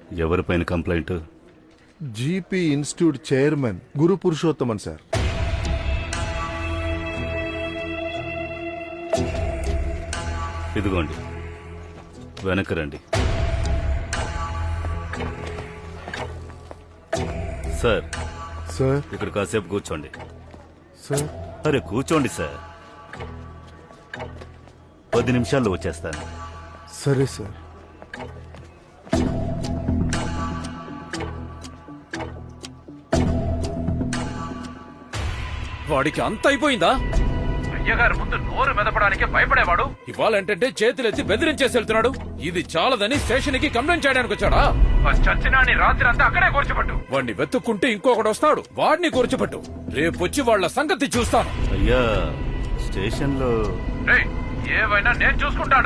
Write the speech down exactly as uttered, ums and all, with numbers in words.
ఎవరిపైన complaint? GP institute chairman Guru Purushothaman sir. ఇదిగోండి, వెనక్కి రండి. సార్ సార్ ఇక్కడ కాసేపు కూర్చోండి. సార్ అరే కూర్చోండి సార్, పది నిమిషాల్లో వచ్చేస్తాను. సరే సార్. వాడికి అంత అయిపోయిందా? అయ్యగారు ముందు నోరు మెదపడానికి భయపడేవాడు ఇవాళంటే చేతులెత్తి బెదిరించేసి వెళ్తున్నాడు. ఇది చాలదని స్టేషన్ కి కంప్లైంట్ చేయడానికి వచ్చాడా? చచ్చినాని రాత్రి అంతా అక్కడే కూర్చోబట్టు. వాడిని వెతుక్కుంటే ఇంకొకటి వస్తాడు, వాడిని కూర్చోబెట్టు. రేపొచ్చి వాళ్ళ సంగతి చూస్తాను. అయ్యా స్టేషన్ లో ఏవైనా నేను చూసుకుంటాను.